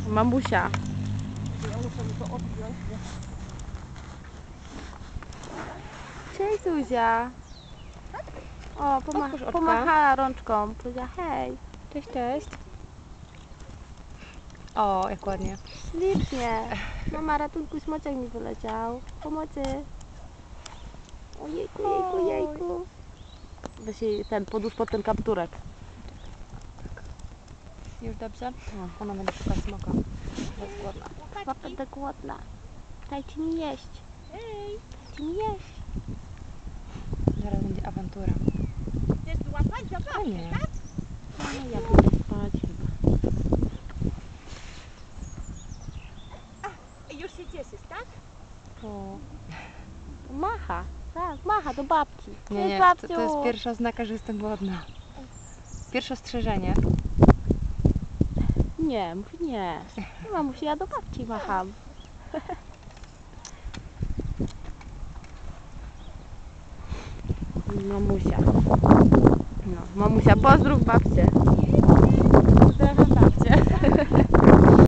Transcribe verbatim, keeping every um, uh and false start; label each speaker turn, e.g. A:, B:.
A: Mamusia.
B: Ja muszę mi to odpiąć.
A: Cześć Zuzia. O, poma
B: Otwórz oczka.
A: pomachała rączką. Powiedziała hej.
B: Cześć, cześć. O, jak ładnie.
A: Ślicznie. Mama, ratunku, smoczek mi wyleciał. Pomocy. Ojejku, jejku, jejku. Weź jej ten, podłóż pod ten kapturek.
B: Już dobrze? No, ona będzie szukać smoka. Jest głodna.
A: Chyba będę głodna. Dajcie mi jeść.
C: Hej,
A: Dajcie mi jeść.
B: Zaraz będzie awantura.
C: chcesz złapać
B: A
C: zabawkę,
B: nie.
C: tak?
A: No, ja pójdę spać chyba.
C: Już się cieszysz, tak?
A: O. Macha. Tak, macha do babci.
B: Nie,
A: Cześć,
B: nie,
A: babciu.
B: to, to jest pierwsza oznaka, że jestem głodna. Pierwsze ostrzeżenie.
A: Nie, mówi nie. Mamusi, ja do babci macham. Mamusia. No, mamusia, pozdrów babcię.